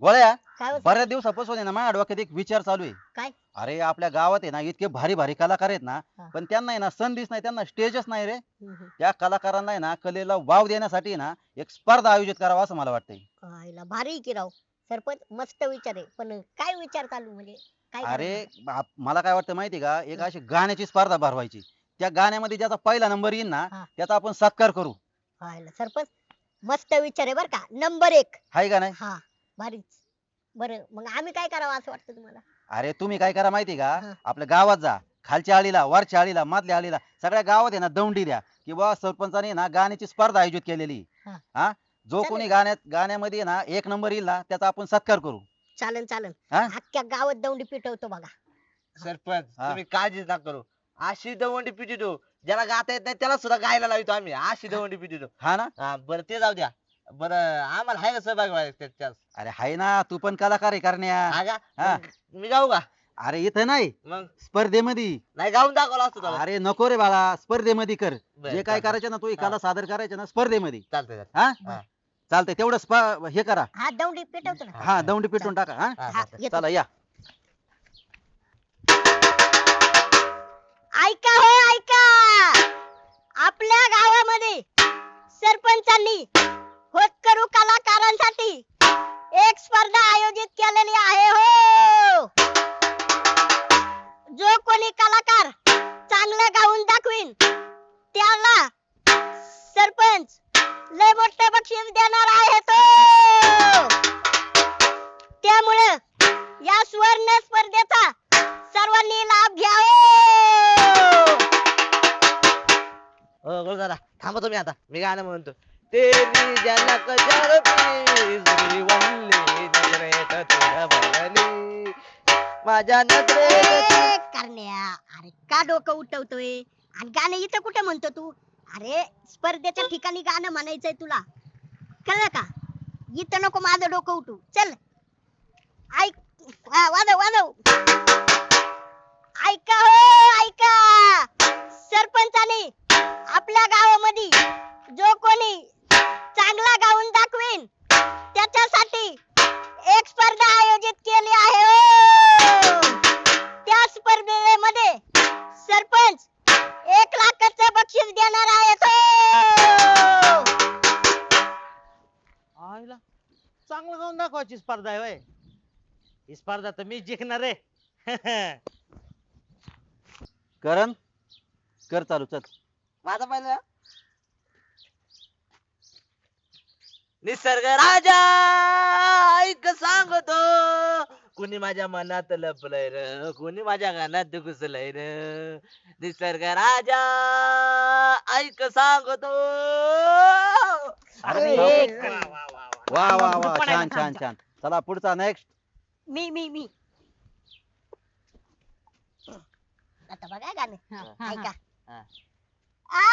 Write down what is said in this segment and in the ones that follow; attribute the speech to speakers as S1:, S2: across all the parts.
S1: गोळ्या,
S2: काय होतं?
S1: बऱ्याच दिवसापासून आहे ना माझ्या डोक्यात एक विचार चालू आहे.
S2: काय?
S1: अरे आपल्या गावात आहे ना इतके भारी भारी कलाकार आहेत ना,
S2: हा.
S1: पण त्यांना आहे ना संधीच नाही, त्यांना स्टेजच नाही रे.
S2: हम्म.
S1: त्या कलाकारांना आहे ना कलेला वाव देण्यासाठी आहे ना एक स्पर्धा आयोजित करावा असं मला वाटतंय.
S2: आईला भारी की राव. सरपंच मस्त विचार आहे, पण काय विचार चालू म्हणजे काय
S1: अरे
S2: करायचं?
S1: मला काय वाटतं माहिती का, एक अशी गाण्याची स्पर्धा भरवायची. त्या गाण्यामध्ये ज्याचा पहिला नंबर येईल ना
S2: हा.
S1: त्याचा आपण सत्कार करू.
S2: आईला सरपंच मस्त विचार आहे बर का, नंबर 1.
S1: हाय का नाही?
S2: हा, भारीच. बरं मग आम्ही काय करावं असं वाटतं तुम्हाला?
S1: अरे तुम्ही काय करा माहिती का,
S2: हा.
S1: आपल्या गावात जा, खालच्या आळीला, वरच्या आळीला, मधल्या आळीला, सगळ्या गावात आहे ना दौंडी द्या की बुवा सरपंचाने ना गाण्याची स्पर्धा आयोजित केलेली.
S2: हा.
S1: हा, जो
S2: चालेल.
S1: कोणी गाण्यामध्ये आहे ना एक नंबर येईल ना त्याचा आपण सत्कार करू.
S2: चालन चालन.
S1: हा?
S2: अख्ख्या गावात दौंडी पिटवतो बघा.
S3: सरपंच
S1: हा.
S3: तुम्ही काळजीच नका करू. अशी दवंडी पिटितो ज्याला गाता येत नाही त्याला सुद्धा गायला लावतो आम्ही, अशी दवंडी पिटितो.
S1: हा ना?
S3: हा बरं ते जाऊ द्या. बरं आम्हाला आहे का सहभाग व्हायचा त्याच्यात?
S1: अरे हाय ना, तू पण कलाकार आहे करण्या.
S3: हा का?
S1: हा.
S3: मग मी गाऊ का?
S1: अरे इथं नाही,
S3: मग
S1: स्पर्धेमध्ये.
S3: नाही गाऊन दाखवला असतो त्याला.
S1: अरे नको रे बाळा, स्पर्धेमध्ये कर.
S3: बरं,
S1: जे काय
S3: चालतंय.
S1: करायचं ना तू ही कला सादर करायचं ना स्पर्धेमध्ये.
S3: चालतंय
S1: हा,
S3: हा.
S1: चालतंय तेवढं हे करा.
S2: हा दौंडी पिटवतो ना.
S1: हा, दौंडी पिटून टाका. हा,
S3: हा,
S2: हा,
S3: चालतंय.
S2: येतो.
S1: चला या.
S2: ऐका हो ऐका, आपल्या गावामध्ये सरपंचांनी होतकरू कलाकारांसाठी एक स्पर्धा आयोजित केलेली आहे हो. जो कोणी कलाकार चांगलं गाऊन दाखवीन त्याला सरपंच लय मोठं बक्षीस देणार आहे तो. त्यामुळे या सुवर्ण स्पर्धेचा सर्वांनी लाभ घ्या हो.
S3: दादा थांबा तुम्ही आता, मी गाणं म्हणतो. तेरी झलक झलकी वल्ली नजरेत तुझ्या भरली, माझ्या नजरेत
S2: ए, करण्या, अरे का डोकं उठवतोय आणि गाणं इथं कुठे म्हणतो तू? अरे स्पर्धेच्या ठिकाणी गाणं म्हणायचंय तुला, कळलं का? इथं नको माझं डोकं उठू. चल ऐक, हा, वाजव वाजव. ऐका हो ऐका, सरपंचाने आपल्या गावामध्ये जो कोणी चांगला गाऊन दाखवीन त्याच्यासाठी एक स्पर्धा आयोजित केली आहे हो. त्या स्पर्धेमध्ये सरपंच 1,00,000चं बक्षीस देणार आहेत हो.
S4: आईला चांगलं गाऊन दाखवायची स्पर्धा आहे होय. ही स्पर्धा तर मी जिंकणार आहे.
S1: करण, कर चालू चल.
S3: माझा पहिला निसर्ग राजा ऐक सांगतो, कुणी माझ्या मनात लपलंय र, कुणी माझ्या गाण्यात घुसलंय र. निसर्ग राजा ऐक सांगतो.
S1: अरे
S2: एक.
S1: वा वा वा, छान छान छान. चला पुढचा नेक्स्ट.
S2: मी आता बघा गाणं, ऐका.
S3: हा.
S2: आ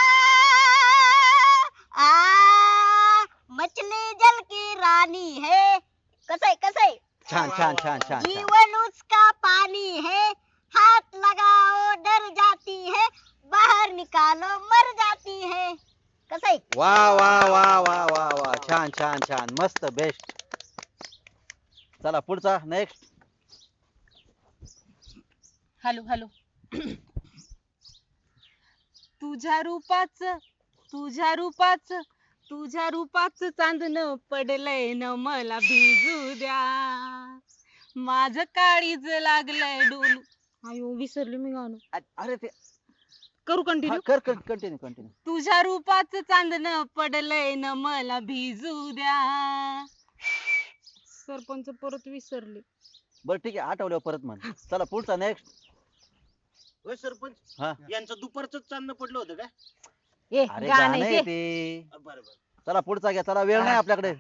S2: आ मछली जल की रानी है. कसं आहे?
S1: छान छान छान छान छान.
S2: जीवन उसका पानी है, हाथ लगाओ डर जाती है, बाहर निकालो मर जाती है. कसं आहे?
S1: वा वा वा वा वा वा, छान छान छान, मस्त बेस्ट. चला पुढचा नेक्स्ट.
S5: Hello hello. तुझ्या रूपाच चांदणं पडलंय न मला भिजू द्या, माझं काळीज लागलंय डोलू. अयो विसरले मी गाणं.
S1: अरे ते
S5: करू कंटिन्यू.
S1: कर कर कंटिन्यू कंटिन्यू.
S5: तुझ्या रूपाच चांदणं पडलंय न मला भिजू द्या. सरपंच परत विसरले.
S1: बरं ठीक आहे, आठवल्यावर परत म्हण. चला पुढचा नेक्स्ट.
S4: होय सरपंच,
S1: हा,
S4: यांचं दुपारच चांदणं पडलं होतं का?
S5: ए
S1: अरे
S5: गाणं
S1: गाणं
S5: आहे
S1: आहे
S5: ते.
S1: ते.
S4: बरं बरं.
S1: चला पुढचा घ्या, चला वेळ नाही आपल्याकडे.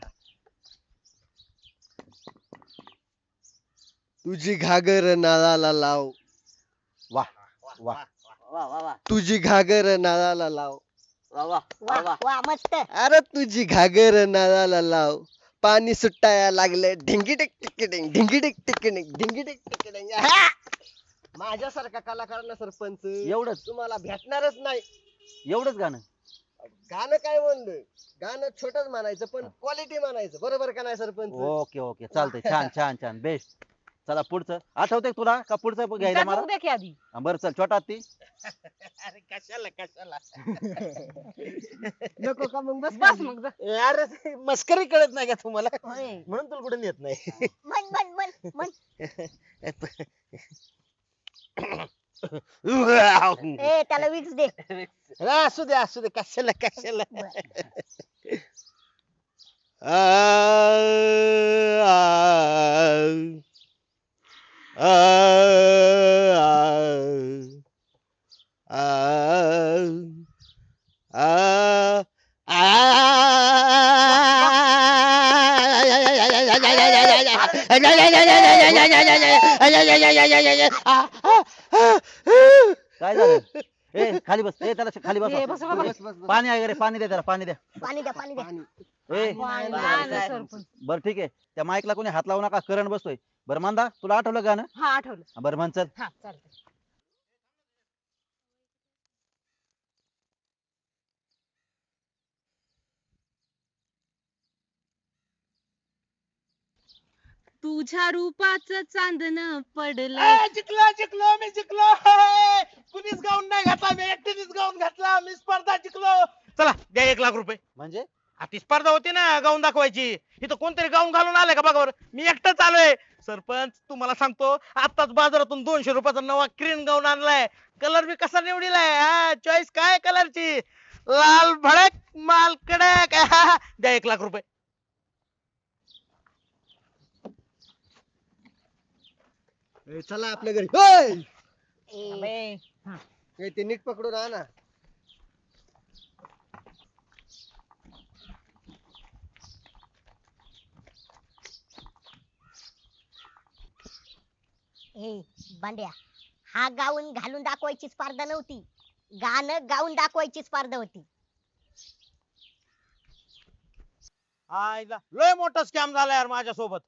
S6: तुझी घागर नाळाला लाव,
S1: वा वा.
S3: वा वा वा
S6: तुझी घागर नाळाला लाव,
S3: वा वा
S2: वा
S3: वा.
S2: वा मस्त.
S6: अरे तुझी घागर नाळाला लाव, पाणी सुटाया लागले ढिंगी टिक टिकिटिंग, ढिंगी टिक टिकिटिंग, ढिंगी टिक टिकिटिंग. माझ्यासारखा कलाकारांना सरपंच
S1: एवढंच
S6: तुम्हाला भेटणारच नाही.
S1: एवढंच गाणं.
S6: गाणं काय म्हणलोय, गाणं छोटच म्हणायचं पण क्वालिटी म्हणायचं, बरोबर का नाही सरपंच?
S1: ओके ओके चालतंय छान छान छान बेस्ट. चला पुढचं आठवतंय तुला का पुढचं घ्यायला
S5: त्यात
S1: मला?
S5: बघू द्या की आधी.
S1: बरं चल छोटा हत्ती.
S4: अरे कशाला कशाला
S6: नको का मग बस
S5: बस मग जा.
S4: अरे ते मस्करी कळत नाही का तुम्हाला
S2: होय.
S4: म्हणून तुला कुठे नेत नाही
S2: म्हण म्हण म्हण म्हण ए त्याला विक्स दे.
S4: असू दे कशाला कशाला
S1: काय झालं? ए खाली बस. ए त्याला खाली
S5: ए,
S1: बस.
S5: बस बाबा.
S6: बस, बस, बस.
S1: पाणी आहे का रे? पाणी दे त्याला पाणी द्या.
S2: पाणी द्या पाणी द्या.
S1: ए
S5: पाणी आणलं सरपंच.
S1: बरं ठीक आहे त्या माईकला कोणी हात लावू नका करंट बसतोय. बरं मांदा तुला आठवलं गाणं?
S5: हा आठवलं.
S1: बरं म्हण चल.
S5: हा चालतंय. तुझ्या रूपाचं चांदणं पडलं.
S4: जिंकलो मी जिंकलो कुणीच गाऊन नाही घातला मी एकटीनेच गाऊन घातला मी स्पर्धा जिंकलो चला द्या 1,00,000 रुपये
S1: म्हणजे
S4: ती स्पर्धा होती ना गाऊन दाखवायची इथं कोणतरी गाऊन घालून आलंय का बघा बरं मी एकटाच आलोय सरपंच तुम्हाला सांगतो आताच बाजारातून 200 रुपयाचा नवा क्रीम गाऊन आणलाय कलर बी कसा निवडीलाय हा चॉईस काय कलरची लाल भडक माल कडक द्या 1,00,000 रुपये
S6: ए, चला आपल्या घरी ओय!
S2: ए,
S5: अबे,
S6: ए, ते नीट पकडून आणा.
S2: ए बांड्या हा गाऊन घालून दाखवायची स्पर्धा नव्हती. गाणं गाऊन दाखवायची स्पर्धा होती.
S4: आईला लय मोठा स्कॅम झाला यार माझ्या सोबत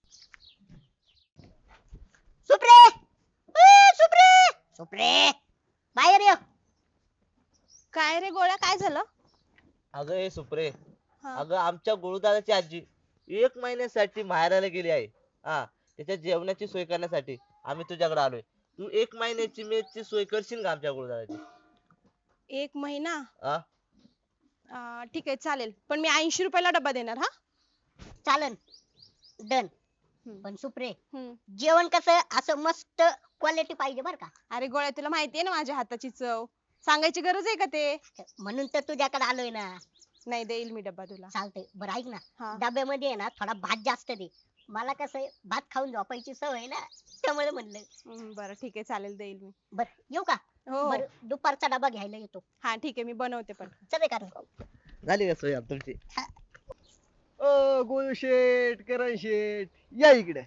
S2: सुप्रे सुप्रे सुप्रे बाहेर ये.
S5: काय रे गोळ्या काय झालं?
S3: अगं हे सुप्रे
S5: हा.
S3: अगं आमच्या गुरुदादाची आजी 1 महिन्यासाठी माहेराला गेली आहे हा त्याच्या जेवणाची सोय करण्यासाठी आम्ही तुझ्याकडे आलोय तू 1 महिन्याची मेसची सोय करशील का आमच्या गुरुदादाची
S5: 1 महिना
S3: हा
S5: ठीक आहे चालेल पण मी 80 रुपयाला डब्बा देणार हा.
S2: चालन डन.
S5: हम्म.
S2: पण सुप्रे
S5: हम्म.
S2: जेवण कसं असं मस्त क्वालिटी पाहिजे बर का.
S5: अरे गोळ्या तुला माहितीये ना माझ्या हाताची चव सांगायची गरज आहे का ते?
S2: म्हणून तर तुझ्याकडे आलोय ना.
S5: नाही देईल मी डब्बा तुला.
S2: चालतंय बरं ऐक ना
S5: हा.
S2: डब्यामध्ये आहे ना थोडा भात जास्त दे. मला कसं आहे, भात खाऊन झोपायची सवय आहे ना त्यामुळे म्हणलं.
S5: बरं ठीक आहे चालेल देईल मी.
S2: बर येऊ का?
S5: हो
S2: बर दुपारचा डबा घ्यायला येतो.
S5: हा ठीक आहे मी बनवते पण.
S2: चल का
S3: झाली का सोय आता तुमची
S6: ओ गोळू शेठ करण शेठ या इकडे.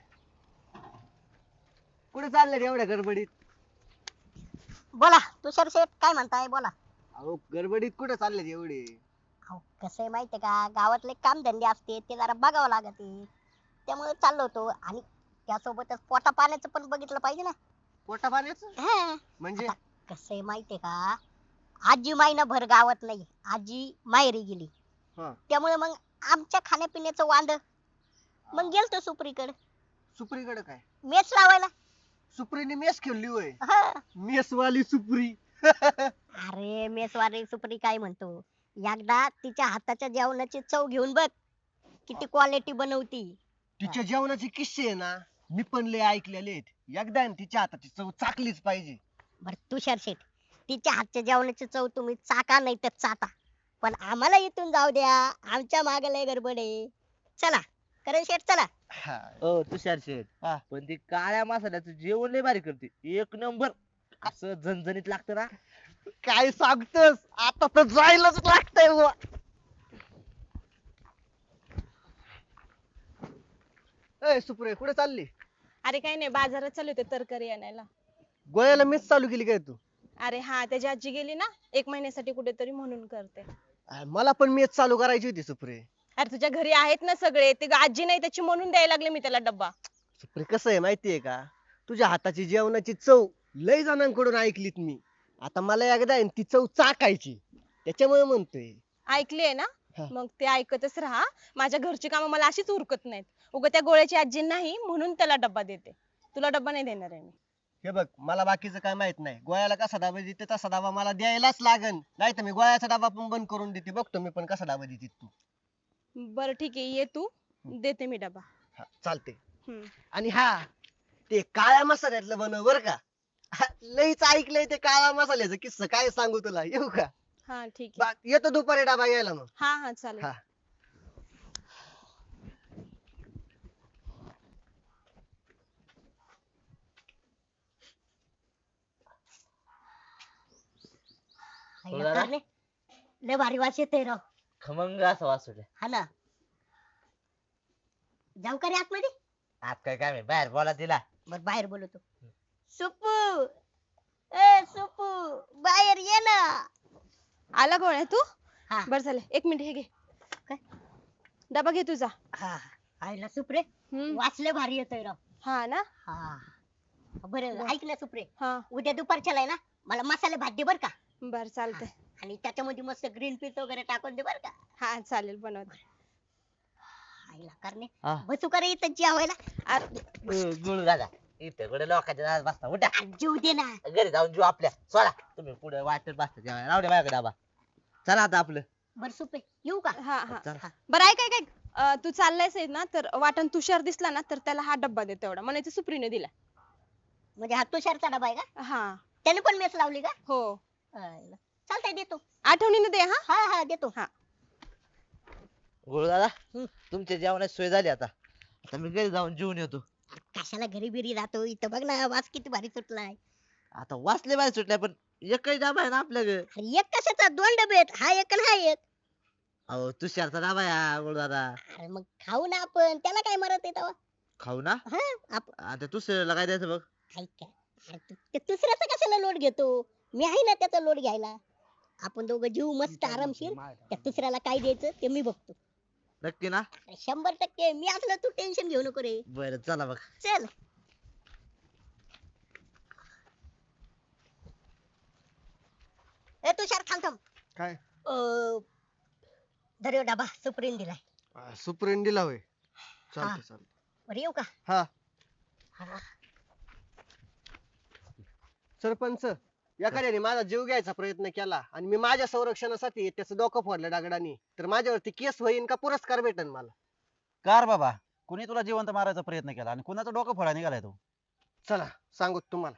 S6: कुठे चालले रे एवढ्या गडबडीत?
S2: बोला तुषार शेठ काय म्हणताय बोला.
S6: अहो गडबडीत कुठे चालले एवढे?
S2: अहो कसं आहे माहितीये का गावातले काम धंदे असते ते जरा बघावं लागते त्यामुळे चाललो होतो आणि त्यासोबतच पोटा पाण्याचं पण बघितलं पाहिजे ना.
S6: पोटा पाण्याचं
S2: हा.
S6: म्हणजे?
S2: कसं आहे माहितीये का आजी महिनाभर गावात नाही आजी माहेरी गेली
S6: हा.
S2: त्यामुळे मग आमच्या खाण्यापिण्याचं वांद मग गेलतो सुप्रीकडे
S6: सुप्रीकडे काय?
S2: मेस लावायला.
S6: सुप्रीने मेस खेळली होय?
S2: हा.
S6: मेस वाली सुप्री.
S2: अरे मेसवारी सुप्री काय म्हणतो एकदा तिच्या हाताच्या जेवणाची चव घेऊन बघ किती क्वालिटी बनवती.
S6: तिच्या जेवणाचे किस्से आहे ना मी पण लय ऐकलेले आहेत. एकदा आहे ना तिच्या हाताची चव चाकलीच पाहिजे.
S2: बर तुषार शेठ तिच्या हातच्या जेवणाची चव तुम्ही चाका नाही तर चाटा पण आम्हाला इथून जाऊ द्या आमच्या मागे लय गडबड आहे. चला करण शेठ चला.
S6: हा.
S3: ओ तुषार शेठ
S6: हा.
S3: पण ती काळ्या मसाल्याचं जेवण लय भारी करते 1 नंबर असं झणझणीत लागतं ना
S6: काय सांगतोस आता तर जायलाच लागतंय बुवा. ए सुप्रे कुठे चालली?
S5: अरे काही नाही बाजारात चालू होते तरकारी आणायला.
S6: गोळ्याला मेस चालू केली काय तू?
S5: अरे हा त्याची आजी गेली ना 1 महिन्यासाठी कुठेतरी म्हणून करते.
S6: मला पण मेस चालू करायची होती सुप्रे.
S5: अरे तुझ्या घरी आहेत ना सगळे ते आजी नाही त्याची म्हणून द्यायला लागले मी त्याला डब्बा.
S6: सुप्रे कसं आहे माहितीये का तुझ्या हाताची जेवणाची चव लय जणांकडून ऐकलीत मी. आता मला एकदा आहे ना ती चव चाकायची त्याच्यामुळे म्हणतोय.
S5: ऐकलीये ना
S6: हा.
S5: मग ते ऐकतच राहा. माझ्या घरची कामं मला अशीच उरकत नाहीत. उगा त्या गोळ्याची आजी नाही म्हणून त्याला डब्बा देते. तुला डब्बा नाही देणार आहे मी.
S6: हे बघ मला बाकीचं काय माहित नाही. गोळ्याला कसा डबा देते तसा डबा मला द्यायलाच लागन. नाही तर मी गोळ्याचा डबा पण बंद करून देते. बघतो मी पण कसा डबा देते तू.
S5: बरं ठीक आहे ये तू देते मी डबा.
S6: हा, चालते.
S5: हम्म.
S6: आणि हा ते काळ्या मसाल्यातलं बनव बर का. हा, लईच ऐकलंय ते काळ्या मसाल्याचं किस्सा काय सांगू तुला येऊ का.
S5: हा ठीक आहे.
S6: येतो दुपारी डबा घ्यायला मग.
S5: हा हा चालेल.
S6: हा.
S2: हायला कारणे, लय भारी वास येतोय राव.
S3: खमंग असं वास सुटला.
S2: हा ना. जाऊ का रे आतमध्ये?
S3: आत काय काम आहे बाहेर बोला तिला.
S2: बर बाहेर बोलवतो. सुपू, ए सुपू, बाहेर ये ना.
S5: आला गोळ्या तू?
S2: हा
S5: बरं झालं 1 मिनिट हे घे.
S2: काय?
S5: डबा घे तुझा.
S2: हा आईला सुपरे,
S5: हम्म.
S2: वाचले भारी येतोय राव.
S5: हा ना.
S2: हा बरं ऐक ना सुपरे,
S5: हा
S2: उद्या दुपारच्याला आहे ना मला मसाले भात दे बर का.
S5: बर चालतंय.
S2: आणि त्याच्यामध्ये मस्त ग्रीन पीस वगैरे टाकून दे बर का.
S5: हा चालेल बनवते.
S2: आईला करणे,
S3: हा.
S2: बसू का रे इथं जेवायला?
S3: गुळ दादा इथे कुठे लोकांच्या दारात बसता उठा.
S2: आ, जेवू दे ना.
S3: घरी जाऊन जीव आपल्या सोडा. तुम्ही पुढे वाटत बसता जेवायला. राहू दे माझ्याकडे डबा. चला आता आपलं.
S2: बर सुपे येऊ का?
S5: हा हा
S3: चला.
S5: बरं ऐक ऐक ऐक. तू चाललायस आहे ना तर वाटण तुषार दिसला ना तर त्याला हा डब्बा दे तेवढा म्हणायचं सुप्रीने दिला.
S2: म्हणजे हा तुषारचा डबा आहे का?
S5: हा
S2: त्याने पण मेस लावली का?
S5: हो
S2: आईला. चालतंय देतो.
S5: आठवणीने दे हा.
S2: हा हा देतो.
S5: हा
S3: गुळ दादा तुमच्या जेवणाची सोय झाली आता. आता मी घरी जाऊन जेवून येतो.
S2: कशाला घरी बिरी राहतो इथं बघ ना वास किती भारी सुटलाय.
S3: आता वाचले बाहेर सुटल्या पण एकही डबा आहे ना आपल्या घरी.
S2: अरे एक कशाचा 2 डबे आहेत, हा एक आणि हा एक.
S3: अहो तुषारचा डबा या गुळ दादा.
S2: अरे मग खाऊ ना आपण, त्याला काय मरत आहे तेव्हा.
S3: खाऊ ना.
S2: हा
S3: आता तुषारला काय द्यायचं बघ.
S2: ऐक काय, अरे ते दुसऱ्याचा कशाला लोट घेतो, मी आहे ना त्याचा लोट घ्यायला. आपण दोघं जीव मस्त आरामशीर, त्या दुसऱ्याला काय द्यायचं ते मी बघतो.
S3: नक्की ना.
S2: अरे 100% मी असलं तू टेन्शन घेऊ नको रे.
S3: बरं चला बघ.
S2: चल. ए तुषार थांब थांब.
S6: काय
S2: धर डबा सुप्रीम दिलाय.
S6: सुप्रीम दिला होय.
S2: हा.
S6: चालतंय चालतंय.
S2: बरं येऊ का?
S6: हा
S2: हा.
S6: सरपंच एखाद्याने माझा जीव घ्यायचा प्रयत्न केला आणि मी माझ्या संरक्षणासाठी त्याचं डोकं फोडलं दगडाने तर माझ्यावरती केस होईन का पुरस्कार भेटेन मला?
S1: कार बाबा, कुणी तुला जिवंत मारायचा प्रयत्न केला आणि कुणाचं डोकं फोडा निघालाय तो?
S6: चला सांगू तुम्हाला.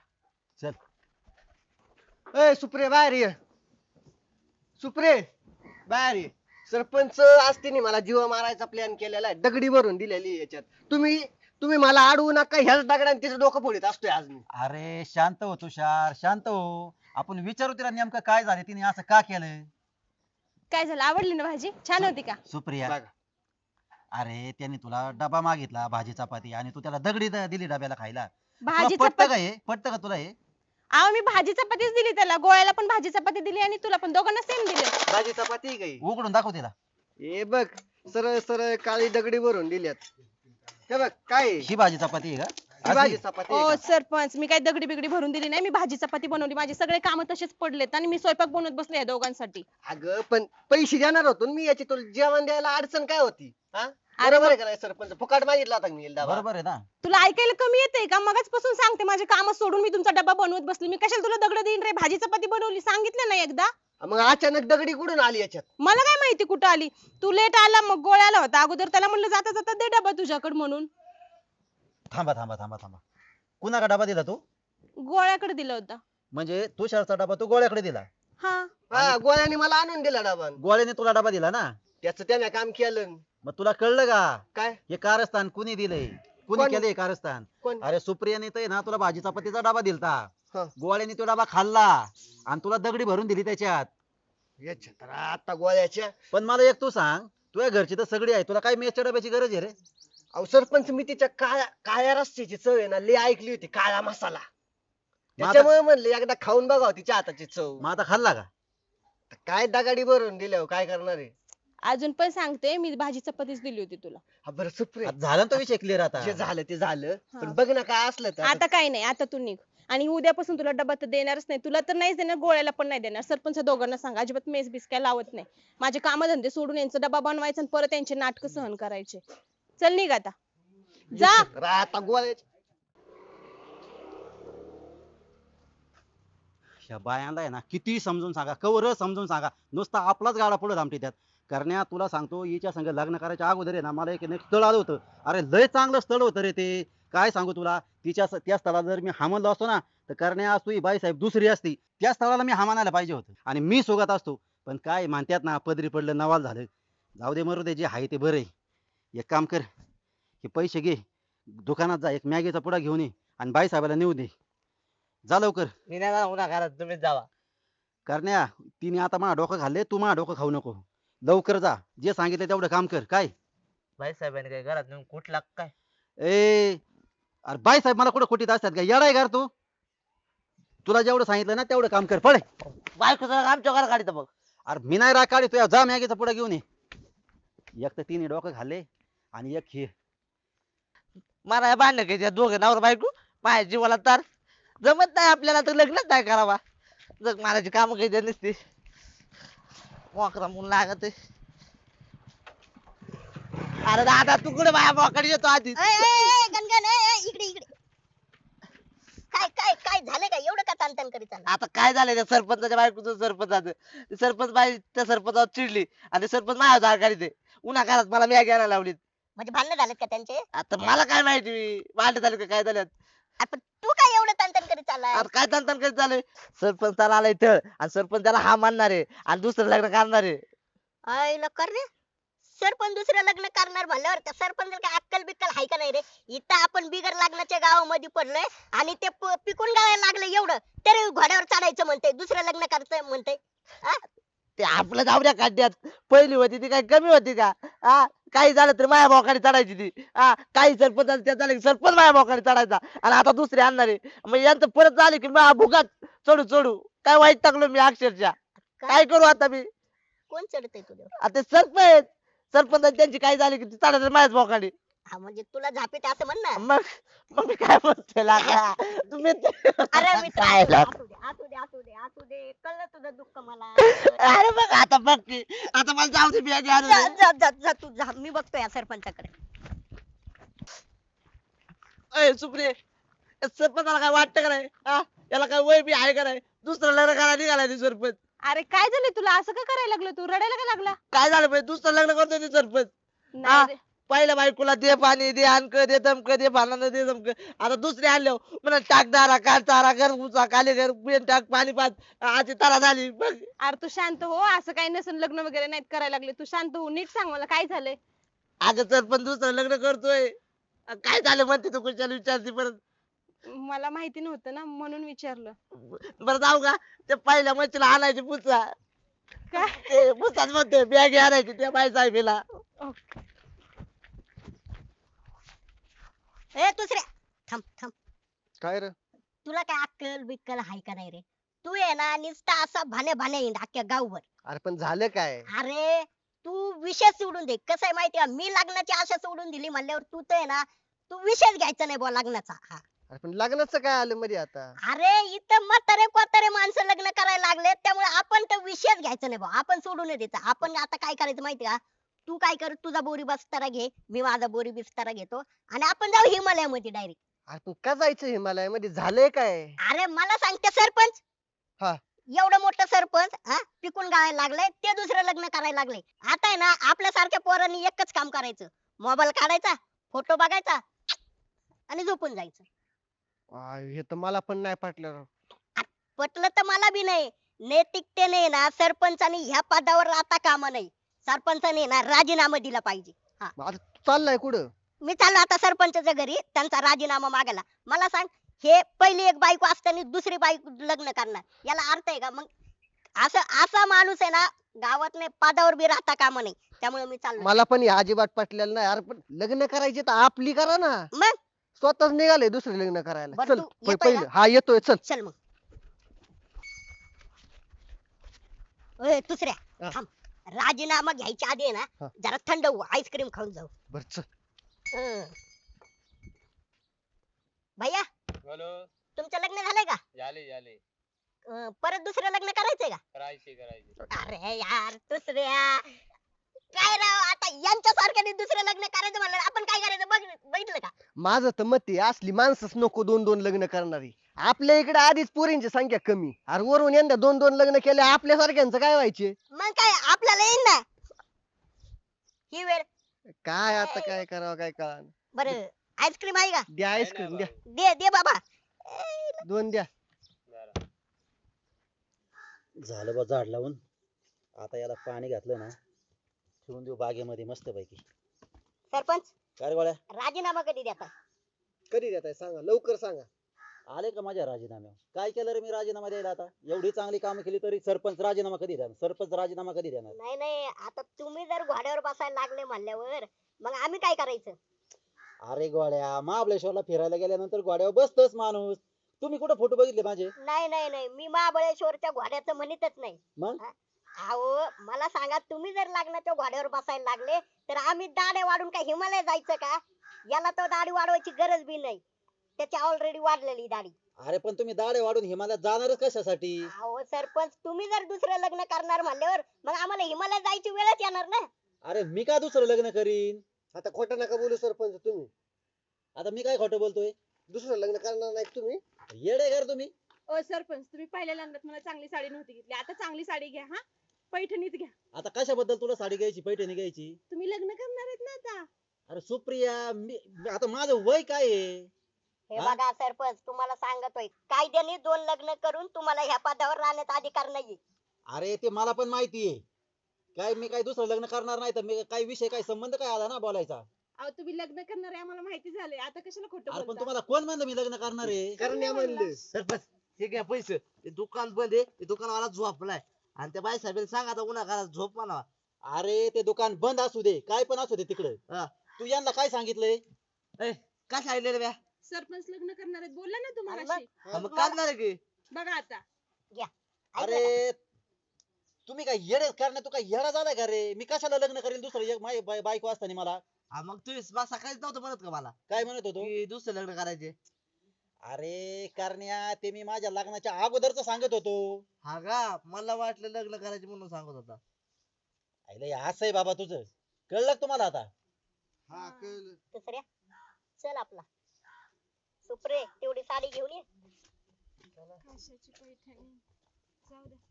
S1: चल.
S6: ए सुप्रे बाहेर ये. सुप्रे बाहेर ये. सरपंच असते मला जीव मारायचा प्लॅन केलेला आहे, दगडी भरून दिलेली आहे याच्यात. तुम्ही मला अडवू नका, ह्याच दगडाने तिचं डोकं फोडीत असतोय आज मी.
S1: अरे शांत हो तुषार, शांत हो. आपण विचारू तिला नेमकं काय झालं, तिने असं का केलं.
S5: काय झालं आवडली ना भाजी छान होती का?
S1: सुप्रिया,
S6: बघा.
S1: अरे त्याने तुला डबा मागितला भाजी चपाती आणि तू त्याला दगडी दिली डब्याला खायला.
S5: भाजी
S1: तुला पटतं का
S5: चपाती
S1: हे? पटतं का तुला हे?
S5: अहो मी भाजी चपातीच दिली त्याला, गोळ्याला पण भाजी चपाती दिली आणि तुला पण, दोघांना सेम दिले.
S6: भाजी चपाती काही
S1: उघडून दाखव तिला.
S6: हे बघ सरळ सरळ काळी दगडी भरून दिल्यात. हे बघ काय आहे?
S1: ही भाजी चपाती आहे
S6: ही
S1: का?
S6: भाजी
S1: असली?
S6: चपाती
S5: ओ
S6: आहे का?
S5: सरपंच मी काय दगडी बिगडी भरून दिली नाही, मी भाजी चपाती बनवली. माझे सगळे काम तसेच पडलेत आणि मी स्वयंपाक बनवत बसले या दोघांसाठी.
S6: अगं पण पैसे देणार होतो ना मी याची, तुला जेवण द्यायला अडचण काय होती? हा बरोबर आहे का नाही सरपंच? फुकाट मागितला होता का मी डबा?
S1: बरोबर आहे ना.
S5: तुला ऐकायला कमी येते का? मगाचपासून सांगते माझे काम सोडून मी तुमचा डब्बा बनवत बसली. मी कशाला तुला दगड देईन रे? भाजी चपाती बनवली सांगितलं ना एकदा.
S6: मग अचानक दगडी कुठून आली याच्यात?
S5: मला काय माहिती कुठं आली. तू लेट आला मग गोळ्याला होता अगोदर, त्याला म्हणलं जाता जाता दे डबा तुझ्याकडे म्हणून.
S1: थांबा थांबा थांबा थांबा. कुणाला डबा दिला तू?
S5: गोळ्याकडे दिलं होतं.
S1: म्हणजे तुषारचा डबा तू गोळ्याकडे दिला?
S5: हा
S6: हा गोळ्याने मला आणून दिला डबा.
S1: गोळ्याने तुला डबा दिला ना?
S6: त्याचं त्याने काम केलं.
S1: मग तुला कळलं का
S6: काय
S1: हे कारस्थान कुणी दिलंय, कुणी
S6: कोण?
S1: केलंय कारस्थान?
S6: कोण?
S1: अरे सुप्रियाने तर आहे ना तुला भाजी चपातीचा डबा दिलता.
S6: हा.
S1: गोळ्याने तो डबा खाल्ला आणि तुला दगडी भरून दिली त्याच्यात.
S6: याच्या तर आता गोळ्याच्या.
S1: पण मला एक तू सांग, तुझ्या घरची तर सगळी आहे, तुला काय मेसच्या डब्याची गरज आहे रे?
S6: अहो सरपंच मी तिच्या काळ्या काळ्या रस्त्याची चव आहे ना लई ऐकली होती, काळा मसाला. त्याच्यामुळे म्हणले एकदा खाऊन बघावं तिच्या हाताची चव.
S1: मग आता खाल्ला का?
S6: काय दगाडी भरून दिल्यावर काय करणार आहे?
S5: अजून पण सांगते मी भाजी चपातीच दिली होती तुला.
S6: हा बरं सुप्रे,
S1: आता झाला ना तो विषय क्लिअर आता.
S6: जे झालं ते झालं,
S5: हा.
S6: पण बघ ना काय असलं तर
S5: आता काही नाही, आता तू निघ. आणि उद्यापासून तुला डबा तर देणारच नाही. तुला तर नाहीच देणार, गोळ्याला पण नाही देणार. सरपंच दोघांना सांगा, अजिबात मेस बिस काय लावत नाही. माझे कामधंदे सोडून यांचा डबा बनवायचा आणि परत यांचे नाटक सहन करायचे. चल निघ आता, जा.
S6: आता गोळ्याची
S1: ह्या बायांना आहे ना किती समजून सांगा, कवर समजून सांगा, नुसता आपलाच गाडा पुढे थांबते त्यात. करण्या तुला सांगतो, हिच्या संग लग्न करायच्या अगोदर आहे ना मला एक स्थळ आलं होतं. अरे लय चांगलं स्थळ होतं रे ते. काय सांगू तुला, त्या स्थळाला जर मी हा म्हणलो असतो ना, तर करण्या असतो ही बाईसाहेब दुसरी असती. त्या स्थळाला मी हा म्हणायला पाहिजे होतं आणि मी सोबत असतो. पण काय म्हणतात ना, पदरी पडलं नवाल झालं. जाऊ दे, मरू दे, जे आहे ते बरं आहे. एक काम कर, हे पैसे घे, दुकानात जा, एक मॅगीचा पुडा घेऊन ये आणि बाईसाहेबाला नेऊ दे. जा लवकर.
S3: मी नाही जाणार उन्हा घरात, तुम्हीच जावा.
S1: करण्या, तिने आता माझं डोकं खाल्ले, तू माझं डोकं खाऊ नको. लवकर जा, जे सांगितलं तेवढं काम कर. काय
S3: भाई साहेबांनी काय घरात नेऊन कुठला काय?
S1: ए, अरे बाई साहेब मला कुठं खोटीत असतात का? येडाय घर तू. तुला जेवढं सांगितलं ना तेवढं काम कर, पळे.
S3: बायको जरा आमच्या घरात काढित बघ.
S1: अरे मी नाही राग काढी, जा मॅगीचा पुडा घेऊन ये. एक तर तिने डोकं खाल्ले आणि एक हे.
S3: मला या भांडण काय त्या दोघं नवरा बायको माझ्या जीवाला तर जमत नाही, आपल्याला तर लग्नच नाही करावा. जग मारायची काम काही त्या नसते. मोकरा म्हणून लागत आहे. अरे दादा तू कुठे माझ्या मोकडे येतो आधी?
S2: गणगण इकडे इकडे. काय काय काय झालं काय, एवढं का ताणताण करीत चालला?
S3: आता काय झालंय त्या सरपंचाच्या बायकोचं सरपंचाचं, ते सरपंच बाई त्या सरपंचावर चिडली आणि ते सरपंच माझ्या दार काढते. उन्हा घरात मला मॅगी घ्यायला लावलीत.
S2: म्हणजे भांडणं झालेत का त्यांचे?
S3: आता मला काय माहिती भांडण झाले का काय झाल्यात.
S2: अरे पण तू काय एवढं ताणताण करीत चाललाय?
S3: आता काय तंतन करीत झालंय, सरपंचाला आलाय तळ आणि सरपंच त्याला हा मानणार आहे आणि दुसरं लग्न करणार आहे.
S2: आईला कर रे, सरपंच दुसरं लग्न करणार म्हणल्यावर त्या सरपंच काय अक्कल बिक्कल हाय का नाही रे? इथं आपण बिगर लग्नाच्या गावामध्ये पडलोय आणि ते पिकून गावायला लागले एवढं तरी घोड्यावर चढायचं म्हणते, दुसरं लग्न करायचं म्हणते.
S3: ते आपलं जाऊया काढण्यात पहिली होती ती काय कमी होती का? हा, काही झालं तर माया भावाकडे चढायची ती. हा, काही सरपंच त्या झाले की सरपंच माया भावाकडे चढायचा आणि आता दुसरे आणणार आहे. मग यांचं परत झाले की माझ्या भुगात चढू चढू काय वाईट टाकलो मी अक्षरशः. काय करू आता मी?
S2: कोण चढतय तुझ्यावर?
S3: आता सरपंच त्यांची काय झाली की ती चढायचं माझ्याच भावाकडे.
S2: हा म्हणजे तुला झापीत असं म्हण ना.
S3: मग मग मी काय म्हणते लागा तुम्ही
S2: अरे मित्र,
S3: काय लागा?
S2: असू दे असू दे असू दे असू दे, कळलं तुझं दुःख मला.
S3: अरे बघ आता बघ की आता मला जाऊ दे बियाजी आणू
S2: जा
S3: दे.
S2: जा जा जा तू जा, मी बघतो या सरपंचाकडे.
S3: अय सुप्रे, सरपंचाला काय वाटतं का नाही? हा, याला काय वय बी आहे का नाही? दुसरं लग्न करायला निघालाय ते सरपंच.
S5: अरे काय झालं तुला, असं का करायला लागलं, तू रडायला का लागला?
S3: काय झालं पाहिजे, दुसरं लग्न करतोय ते सरपंच.
S5: नाही रे.
S3: पहिल्या बायकोला दे पाणी दे अनक दे दमक दे भांडण दे दमक, आता दुसरे आणले म्हणा टाक दारा काढ चारा घर उचा खाली घर पेन टाक पाणी पाच, आजी तारा झाली बघ.
S5: अरे तू शांत हो, असं काही नसून, लग्न वगैरे नाहीत करायला लागले. तू शांत हो, नीट सांग मला काय झालंय.
S3: अगं सरपंच दुसरं लग्न करतोय. काय झालं म्हणते तू कुशाला विचारते परत.
S5: मला माहिती नव्हतं ना म्हणून विचारलं.
S3: बरं जाऊ का, ते पहिल्या मच्छीला आणायची पुसा,
S5: काय?
S3: ते पुसाच म्हणते बॅग आणायची त्या बाई साहेबीला.
S2: ए दुसऱ्या, थांब थांब.
S6: काय रे?
S2: तुला काय अक्कल बिक्कल हाय का नाही रे? तू आहे ना नुसता असा भाण्या भाण्या येईन अख्ख्या गावभर.
S6: अरे पण झालं काय?
S2: अरे तू विषय सोडून दे, कसं आहे माहितीये का, मी लग्नाची आशा सोडून दिली म्हणल्यावर तू तर आहे ना, तू विषयच घ्यायचा नाही बुवा लग्नाचा. हा,
S6: अरे पण लग्नाचं काय आलं मध्ये आता?
S2: अरे इथं म्हातारे कोतारे माणसं लग्न करायला लागले, त्यामुळे आपण तर विषयच घ्यायचा नाही बुवा, आपण सोडून द्यायचा. आपण आता काय करायचं माहिती का, तू काय कर, तुझा बोरी बिस्तारा घे, मी माझा बोरी बिस्तारा घेतो आणि आपण जाऊ हिमालयामध्ये डायरेक्ट.
S6: अरे पण का जायचं हिमालयामध्ये? झालंय काय?
S2: अरे मला सांगते सरपंच,
S6: हा.
S2: एवढं मोठं सरपंच हा पिकून गावायला लागले, ते दुसरं लग्न करायला लागले. आता आहे ना आपल्या सारख्या पोरांनी एकच काम करायचं, मोबाईल काढायचा, फोटो बघायचा आणि झोपून जायचं.
S6: हे तर मला पण नाही पटलं राव.
S2: पटलं तर मला बी नाही. नैतिकतेने ना सरपंचानी ह्या पदावर राहता कामा नाही. सरपंचाने ना राजीनामा दिला पाहिजे.
S6: मग आता तू चाललाय कुठं?
S2: मी चाललो आता सरपंचाच्या घरी त्यांचा राजीनामा मागायला. मला सांग, हे पहिली एक बायको असताना दुसरी बायको लग्न करणार, याला अर्थ आहे का? मग असा माणूस आहे ना गावात नाही पदावर बी राहता कामा नाही. त्यामुळे मी चाललो.
S6: मला पण हे अजिबात पटलेलं नाही. अरे पण लग्न करायचे तर आपली करा ना.
S2: मग
S6: स्वतःच निघाले दुसरे लग्न करायला.
S2: बरं,
S6: चल
S2: तू येतोय
S6: पहिलं. हा येतोय, चल.
S2: चल मग. ओय दुसऱ्या,
S6: हा.
S2: थांब. राजीनामा घ्यायच्या आधी आहे ना
S6: हा.
S2: जरा थंड होऊ, आईस्क्रीम खाऊन जाऊ.
S6: बर चल.
S2: हं. भैया तुमचं लग्न झालंय का
S3: झाले झाले
S2: परत दुसरं लग्न करायचंय का
S3: करायचे
S2: अरे यार दुसऱ्या काय राव आता यांच्यासारख्याने दुसरं लग्न करायचं म्हणलं आपण काय करायचं बघितलं का
S6: माझं तर मत आहे असली माणसंच नको दोन दोन लग्न करणारी. आपल्या इकडे आधीच पोरींची संख्या कमी, अरे वरून यंदा दोन दोन लग्न केले आपल्यासारख्यांचं काय व्हायचे.
S2: मग काय आपल्याला येईन ना ही वेळ
S6: काय आता काय करावं काय कळा.
S2: बरं आईस्क्रीम आहे का
S6: द्या आईस्क्रीम द्या,
S2: दे दे बाबा
S6: दोन द्या.
S1: झालं बा झाड लावून. आता याला पाणी घातलं ना, ठेवून देऊ बागेमध्ये मस्त पैकी.
S2: सरपंच
S1: काय रे गोळ्या,
S2: राजीनामा कधी देता
S6: कधी देताय सांगा, लवकर सांगा.
S1: आले का माझ्या राजीनाम्यावर? काय केलं रे मी राजीनामा द्यायला? आता एवढी चांगली कामं केली तरी सरपंच राजीनामा कधी देणार? सरपंच राजीनामा कधी देणार?
S2: नाही नाही आता तुम्ही जर घोड्यावर बसायला लागले म्हणल्यावर मग आम्ही काय करायचं
S1: अरे गोळ्या, महाबळेश्वरला फिरायला गेल्यानंतर गोड्यावर बसतोच माणूस. तुम्ही कुठे फोटो बघितले माझे?
S2: नाही नाही नाही मी महाबळेश्वरच्या घोड्याचं म्हणतच नाही
S1: मग
S2: अहो मला सांगा तुम्ही जर लग्नाच्या घोड्यावर बसायला लागले तर आम्ही दाढे वाढून काय हिमालय जायचं का याला तर दाढी वाढवायची गरज बी नाही त्याची ऑलरेडी वाढलेली दाढी
S1: अरे पण तुम्ही दाढे वाढून हिमालयात जाणारच कशासाठी?
S2: अहो सरपंच तुम्ही जर दुसरं लग्न करणार म्हणल्यावर मग आम्हाला हिमालय जायची वेळच येणार ना
S1: अरे मी का दुसरं लग्न करीन?
S6: आता खोटं नका बोलू सरपंच तुम्ही.
S1: आता मी काय खोटं बोलतोय?
S6: दुसरं लग्न करणार नाही तुम्ही.
S1: येडे घर तुम्ही.
S5: ओ सरपंच तुम्ही पहिल्या लग्नात मला चांगली साडी नव्हती घेतली, आता चांगली साडी घ्या हा, पैठणीच घ्या.
S1: आता कशाबद्दल तुला साडी घ्यायची, पैठणी घ्यायची?
S5: तुम्ही लग्न करणार आहेत ना आता.
S1: अरे सुप्रिया, मी आता माझं वय काय आहे?
S2: हे
S1: हा?
S2: बघा सरपंच तुम्हाला सांगतोय कायद्याने दोन लग्न करून तुम्हाला ह्या पदावर राहण्याचा अधिकार नाहीये
S1: अरे ते मला पण माहिती आहे. काय मी काय दुसरं लग्न करणार नाही तर मी काय विषय काय संबंध काय आला ना बोलायचा?
S5: अहो तुम्ही लग्न करणार आहे आम्हाला माहिती झालंय, आता कशाला खोटं
S1: अरे पण
S5: बोलता?
S1: तुम्हाला कोण म्हणलं मी लग्न करणार आहे?
S6: करण्या म्हणले.
S3: सरपंच हे घ्या पैसे, ते दुकान बंद आहे, ते दुकानवाला झोपलाय आणि त्या बाई साहेबांनी सांग आता उन्हा झोप म्हणा.
S1: अरे ते दुकान बंद असू दे, काय पण असू दे तिकडे.
S3: हा.
S1: तू यांना काय सांगितलंय?
S3: ए, काय सांगितलं रे ब्या?
S5: सरपंच लग्न करणार आहेत बोलला ना तुम्हाला
S2: अरे
S3: हा, मग करणार आहे की
S5: बघा आता.
S2: ऐकलं का?
S1: अरे तुम्ही काय येडे करणार? तू काय येडा झालाय का रे? मी कशाला लग्न करेल दुसरं माझी बायको असताना मला?
S3: हा, मग तुम्ही सकाळीच नव्हतं म्हणत का मला
S1: काय म्हणत होतो?
S3: की दुसरं लग्न करायचे?
S1: अरे करण्या, ते मी माझ्या लग्नाच्या अगोदरच सांगत होतो.
S3: हा का, मला वाटलं लग्न करायचे म्हणून सांगत होता.
S1: आईला हे असं आहे बाबा तुझं. कळलं का तुम्हाला आता?
S6: हा कळलं.
S2: दुसऱ्या चल आपला सुप्रे तेवढी साडी घेऊन ये
S5: कशाची पैठणी, जाऊ द्या.